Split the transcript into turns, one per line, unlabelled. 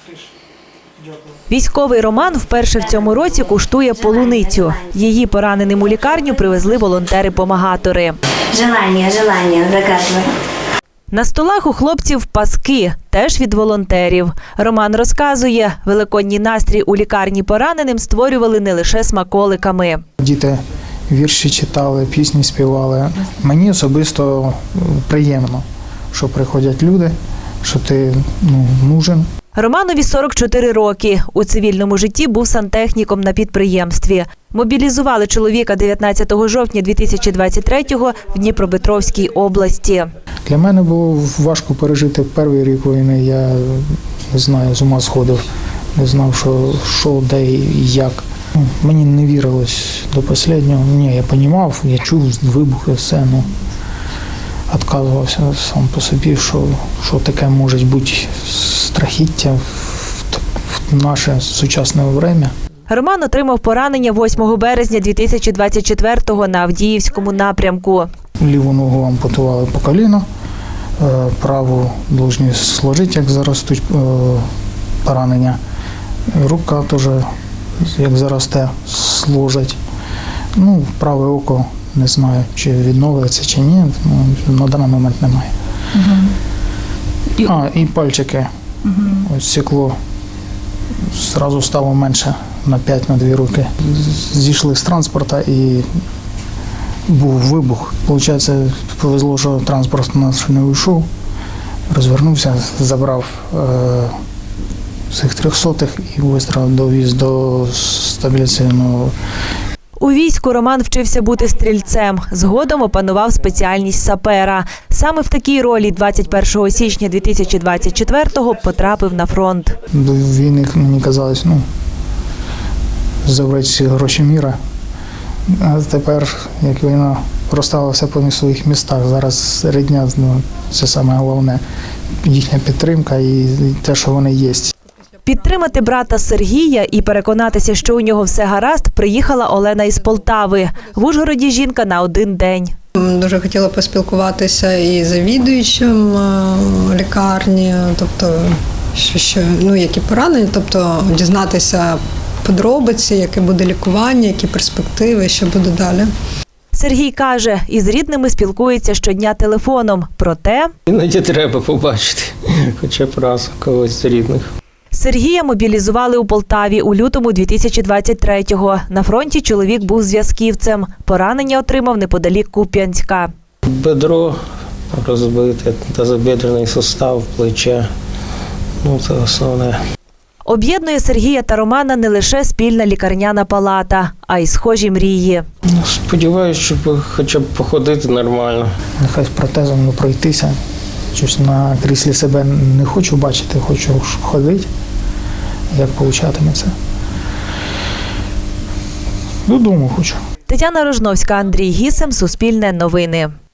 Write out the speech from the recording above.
Військовий Роман вперше в цьому році куштує полуницю. Її пораненим у лікарню привезли волонтери-помагатори.
Желання, заказуй.
На столах у хлопців паски, теж від волонтерів. Роман розказує, великодній настрій у лікарні пораненим створювали не лише смаколиками.
Діти вірші читали, пісні співали. Мені особисто приємно, що приходять люди, що ти нужен.
Романові 44 роки. У цивільному житті був сантехніком на підприємстві. Мобілізували чоловіка 19 жовтня 2023-го в Дніпропетровській області.
Для мене було важко пережити перший рік війни. Я не знаю, з ума сходив, не знав, що де і як. Мені не вірилось до останнього. Ні, я розумів, я чув вибухи, все. Відказувався сам по собі, що таке може бути страхіття в наше сучасне час.
Роман отримав поранення 8 березня 2024-го на Авдіївському напрямку.
Ліву ногу ампутували по коліно, праву повинні сложити, як заростуть поранення. Рука теж, як заросте, сложать. Праве око, не знаю, чи відновиться, чи ні, на даний момент немає. І пальчики. Ось стекло одразу стало менше на 5-2 руки. Зійшли з транспорту і був вибух. Получається, повезло, що транспорт у нас не вийшов. Розвернувся, забрав цих 300-х і швидко довіз до стабіляційного.
У війську Роман вчився бути стрільцем. Згодом опанував спеціальність сапера. Саме в такій ролі 21 січня 2024-го потрапив на фронт.
До війни мені казалось, забрати всі гроші міра. А тепер, як війна розставила все по своїх містах, зараз рідня, це саме головне, їхня підтримка і те, що вони є.
Підтримати брата Сергія і переконатися, що у нього все гаразд, приїхала Олена із Полтави. В Ужгороді жінка на один день.
Дуже хотіла поспілкуватися і з завідуючим лікарні, тобто, які поранення, тобто дізнатися подробиці, яке буде лікування, які перспективи, що буде далі.
Сергій каже, із рідними спілкується щодня телефоном. Проте
іноді треба побачити, хоча б раз когось з рідних.
Сергія мобілізували у Полтаві у лютому 2023-го. На фронті чоловік був зв'язківцем. Поранення отримав неподалік Куп'янська.
Бедро розбите, тазобідрений сустав, плече. Це основне.
Об'єднує Сергія та Романа не лише спільна лікарняна палата, а й схожі мрії.
Сподіваюся, щоб хоча б походити нормально.
Нехай з протезом не пройтися. Щось на кріслі себе не хочу бачити, хочу ходити, як получатиметься. Додому хочу.
Тетяна Рожновська, Андрій Гісем, Суспільне новини.